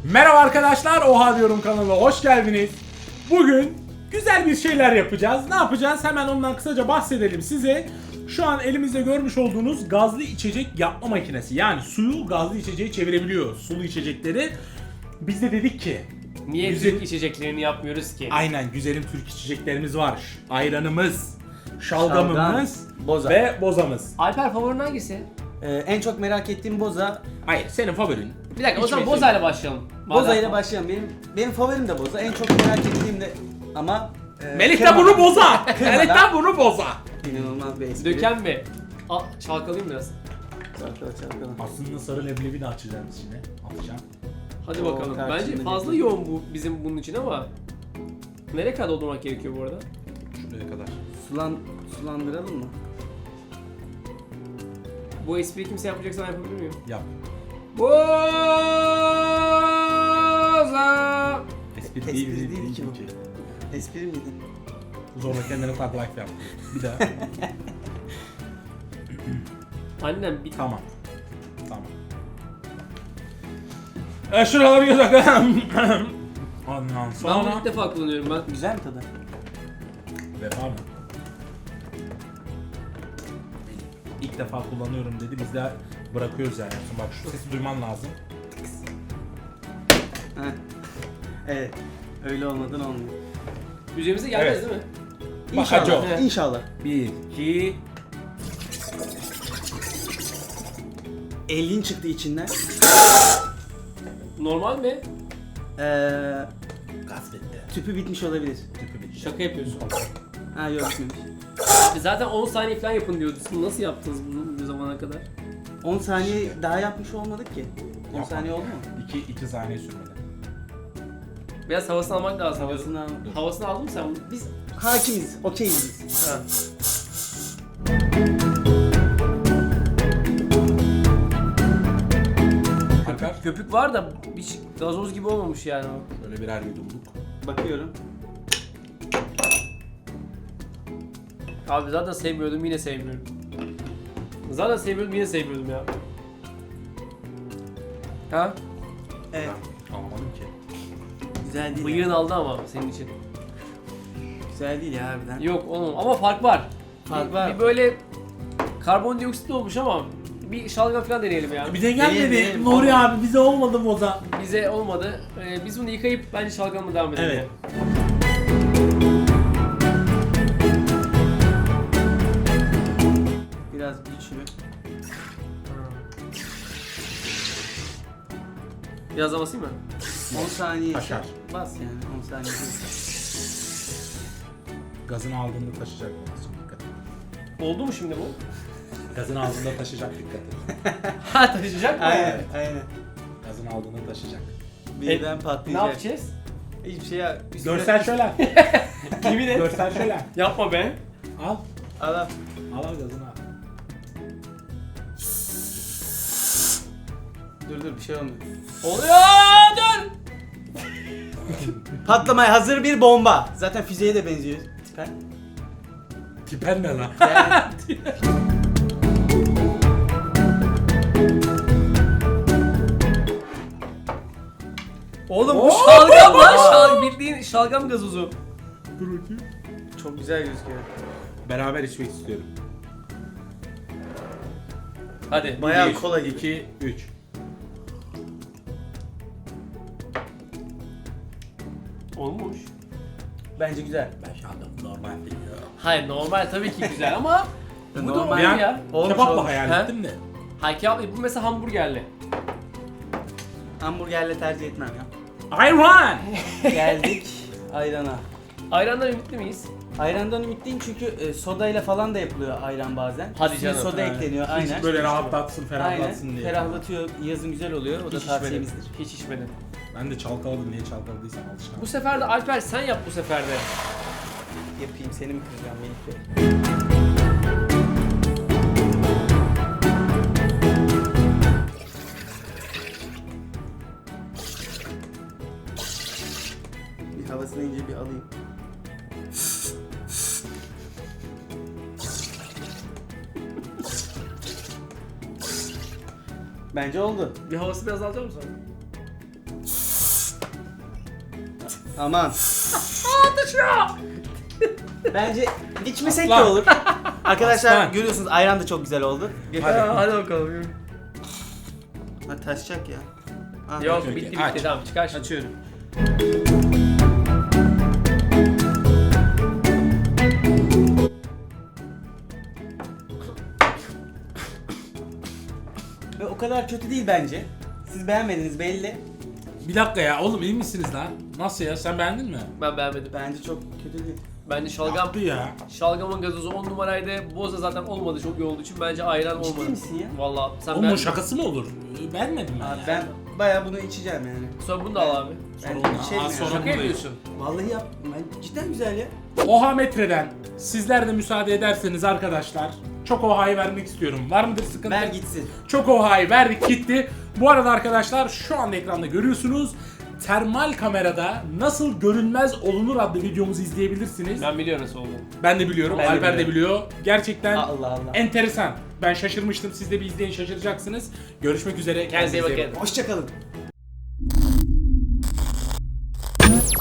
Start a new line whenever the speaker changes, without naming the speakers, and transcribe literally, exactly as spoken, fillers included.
Merhaba arkadaşlar, Oha diyorum kanalına hoş geldiniz. Bugün güzel bir şeyler yapacağız. Ne yapacağız? Hemen ondan kısaca bahsedelim size. Şu an elimizde görmüş olduğunuz gazlı içecek yapma makinesi. Yani suyu gazlı içeceğe çevirebiliyor. Sulu içecekleri. Biz de dedik ki
Niye
güzel...
Türk içeceklerini yapmıyoruz ki?
Aynen, güzelim Türk içeceklerimiz var. Ayranımız, şalgamımız
Şalgam, boza.
ve bozamız.
Alper favorin hangisi?
Ee, en çok merak ettiğim boza.
Hayır, senin favorin.
Bir dakika o zaman
İçmesi.
Boza ile başlayalım.
Boza
Madem-
ile başlayalım. Benim benim favorim de boza. En çok merak ettiğim de ama e,
Melih de
kırmadan-
bunu boza.
Kırmadan-
Melih de bunu boza.
İnanılmaz bir espri.
Döken mi? Al, çalkalayayım biraz.
Çalkala çalkala.
Aslında sarı leblebi de açacağım içine. Atacağım.
Hadi
Oo,
bakalım.
tartışma
Bence fazla
değil.
yoğun bu bizim bunun için ama nereye kadar doldurmak gerekiyor bu arada?
Şuraya kadar.
Sulan, sulandıralım mı?
Bu espriyi kimse yapmayacaksa ben yapabilir miyim?
Yap.
Boza!
Espri
Espri
değil,
değil
değil,
ki bu. Espri miydi?
Zorla kendine tag life yap. Bir daha.
Annem bir
Tamam. Tamam. E şuraları göz bakalım. Ondan
ben bunu
sonra...
ilk defa kullanıyorum ben.
Güzel mi tadı?
Vefa mı? İlk defa kullanıyorum dedi. Biz de bırakıyoruz yani. Bak şu sesi duyman lazım.
Heh. Evet. Öyle olmadan olmuyor.
Üzerimize gelmez
Evet.
değil mi?
Bakacağım.
İnşallah.
Evet.
İnşallah.
Bir, iki...
elin çıktı içinden.
Normal mi?
Ee,
Gaz bitti.
tüpü bitmiş olabilir.
Tüpü bitti.
Şaka yapıyorsun.
Ha yok bitmemiş.
Abi zaten on saniye falan yapın diyordu. Siz nasıl yaptınız bunu bu zamana kadar?
on saniye daha yapmış olmadık ki. on
Yapma.
saniye oldu mu?
İki, iki saniye sürmedi.
Biraz havasını almak lazım.
Havasını al.
diyordun. Havasını aldın mı sen bunu?
Biz hakimiz, okeyiz biz.
Ha.
Alper.
Köpük var da hiç gazoz gibi olmamış yani o.
Şöyle birer yudumluk.
Bakıyorum.
Abi zaten sevmiyordum yine sevmiyorum. Zaten sevmiyordum yine sevmiyordum ya. Ha?
Evet.
Almadım ki.
Güzel değil.
Bıyığın
ya.
aldı ama senin için.
Güzel değil ya harbiden.
Yok oğlum ama fark var.
Fark
bir,
var.
Bir böyle karbondioksit olmuş ama bir şalgam falan deneyelim ya.
Bir de
Deneyelim,
gelmedi.
deneyelim.
Nuri abi bize olmadı boza.
Bize olmadı. Ee, biz bunu yıkayıp bence şalgamla devam edelim.
Evet.
Biraz güçlü.
Biraz daha basayım mı?
on saniye
Taşar.
bas yani on saniye.
Gazını aldığında taşıyacak. Dikkat et.
Oldu mu şimdi bu?
Gazını aldığında taşıyacak, dikkat et.
Ha taşıyacak mı?
Aynen aynen.
Gazını aldığında taşıyacak.
Birden
Ne
patlayacak.
yapacağız?
Hiçbir şey ya. üstüne-
Görsel şölen.
Yemin et.
Görsel şölen.
Yapma be.
Al.
Al al.
Al al gazını al.
Dur dur bir şey olmuyor.
Oluyor dur.
Patlamaya hazır bir bomba. Zaten füzeye de benziyor. Tipen.
Tipen ne lan?
Yani
Oğlum bu şalgam lan şal bildiğin şalgam gazozu.
Dur bakayım.
çok güzel gözüküyor.
Beraber içmek istiyorum.
Hadi.
Bayağı
Bir,
kola gibi.
iki, üç.
Olmuş.
Bence güzel.
Ben şalgam normal biliyorum.
Hayır normal tabii ki güzel ama bu da
Normal.
normal
Bir an
ya.
Olmuş,
kebapla
olmuş.
hayal
He?
ettim de.
Hayır kebap bu mesela hamburgerli.
Hamburgerle tercih etmem ya.
Ayran!
Geldik ayrana.
Ayrandan ümitli miyiz?
Ayrandan ümitliyim çünkü e, sodayla falan da yapılıyor ayran bazen.
Hadi
Üstüne
canım.
soda
Ha.
ekleniyor aynen.
Böyle rahatlatsın,
Aynen.
ferahlatsın diye.
Ferahlatıyor. Yazın güzel oluyor. O da
Hiç içmedim.
tavsiyemizdir.
Hiç içmedim.
Ben de çalkaladım, niye çalkaladıysam alışkanım.
Bu sefer de Alper sen yap bu sefer de.
Yapayım seni mi kıracağım Melih Bey? Bir havasını ince bir alayım. Bence oldu.
Bir havası biraz alacak mısın?
Aman. Bence içmesek de
Aslan.
olur. Arkadaşlar
Aslan.
görüyorsunuz ayran da çok güzel oldu.
Hadi, hadi bakalım. yürü.
Ha, taşacak ya. Ha.
Yok
okey,
bitti
okey.
bitti
Aç.
tamam çıkar şimdi.
Açıyorum. Ve o kadar kötü değil bence. Siz beğenmediniz belli.
Bir dakika ya oğlum iyi misiniz lan? Nasıl ya sen beğendin mi?
Ben beğenmedim.
Bence çok kötü değil.
Bence şalgam
Yaptı ya.
şalgamın gazozu on numaraydı. Boza zaten olmadı çok iyi olduğu için bence ayran
Ciddi
olmadı.
misin ya?
Vallahi sen
Oğlum o
beğendin.
şakası mı olur? Ee, Beğenmedim ben
Abi
ya.
ben bayağı bunu içeceğim yani.
Sonra bunu da al abi.
Ben
Sonra-
içerim
Aa,
yani.
sonra-
Şaka
bunu da
yapıyorsun.
Vallahi yap. Ben cidden güzel ya.
Oha metreden sizler de müsaade ederseniz arkadaşlar çok oha'yı vermek istiyorum. Var mıdır sıkıntı?
Ver gitsin.
Çok oha'yı verdik gitti. Bu arada arkadaşlar şu anda ekranda görüyorsunuz. Termal kamerada nasıl görünmez olunur adlı videomuzu izleyebilirsiniz.
Ben biliyorum nasıl olduğunu.
Ben de biliyorum,
Ben de
Alper de biliyor. Gerçekten
Allah Allah.
enteresan. Ben şaşırmıştım. Siz de bir izleyin şaşıracaksınız. Görüşmek üzere.
Kendinize iyi
Kendinize iyi
bakın.
Hoşçakalın.